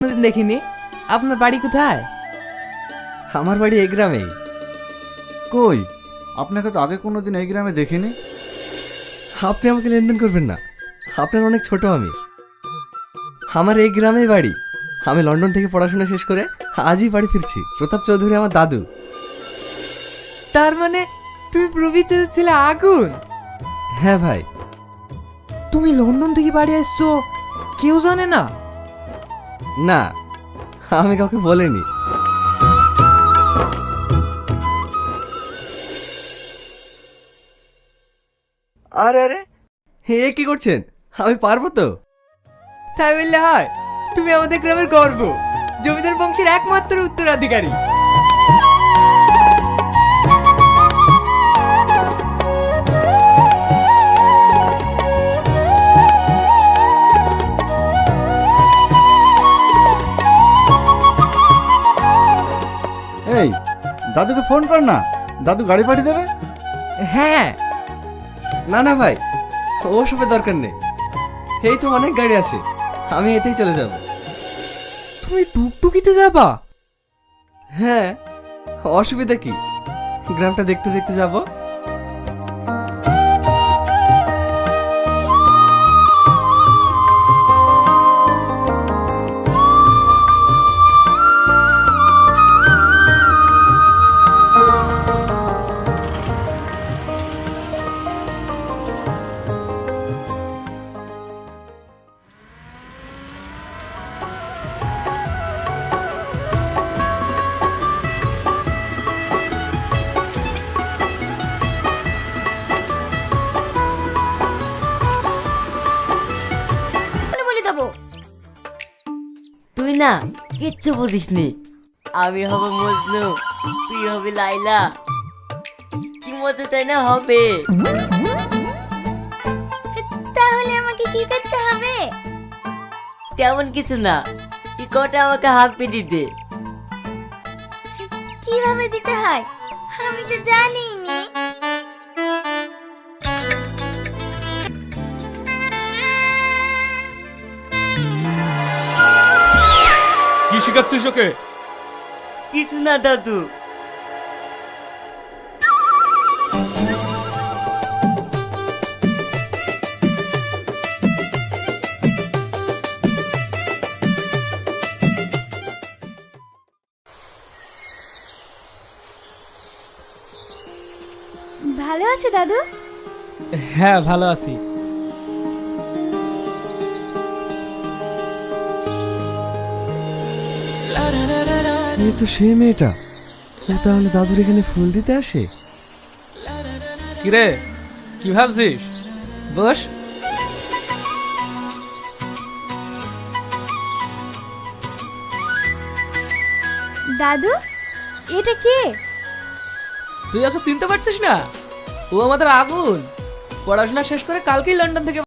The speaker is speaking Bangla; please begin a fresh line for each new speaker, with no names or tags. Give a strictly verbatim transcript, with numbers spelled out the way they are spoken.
কোনোদিন দেখিনি। আপনার বাড়ি কোথায়?
আমার বাড়ি এই গ্রামেই।
কই, আপনাকে তো আগে কোনোদিন এই গ্রামে দেখিনি।
আপনি আমাকে লেনদেন করবেন না, আপনার অনেক ছোট আমি। আমার এই গ্রামেই বাড়ি। আমি লন্ডন থেকে পড়াশোনা শেষ করে আজই বাড়ি ফিরছি। প্রতাপ চৌধুরী আমার দাদু।
তার মানে তুমি প্রবীর চাচার ছেলে আগুন?
হ্যাঁ ভাই।
তুমি লন্ডন থেকে বাড়ি আসছো, কেউ জানে না?
না, আমি কাউকে বলিনি। আরে আরে, এ কি করছেন? আমি পারবো তো।
তাই বললে হয়? তুমি আমাদের গ্রামের গর্ব, জমিদার বংশের একমাত্র উত্তরাধিকারী।
এই, দাদুকে ফোন কর না, দাদু গাড়ি পাঠিয়ে দেবে।
হ্যাঁ।
না না ভাই, ওসবের দরকার নেই। এই তো অনেক গাড়ি আছে, আমি এতেই চলে যাব।
তুমি টুকটুকিতে যাবা?
হ্যাঁ, অসুবিধা কি? গ্রামটা দেখতে দেখতে যাব।
বলে দেবো।
তুই না কিচ্ছু বুঝিস নি। আমি হব মজনু, তুই হবি লাইলা। কি মজা তাই না হবে?
তাহলে আমাকে কি করতে হবে?
তেমন কিছু না, তুই কটা আমাকে হাঁপি দিতে।
কিভাবে দিতে হয় আমি তো জানি নি।
কি শিখাচ্ছিস ওকে?
কিছু না দাদু।
ভালো আছে দাদু?
হ্যাঁ, ভালো আছি।
এই তো সেই মেয়েটা। ও তাহলে দাদুর এখানে ফুল দিতে আসে?
কিরে, কি ভাবছিস? বস।
দাদু, এটা কে?
তুই এত চিনতে পারছিস না? ও আমাদের আগুন। পড়াশোনা শেষ করে কালকেই লন্ডন থেকে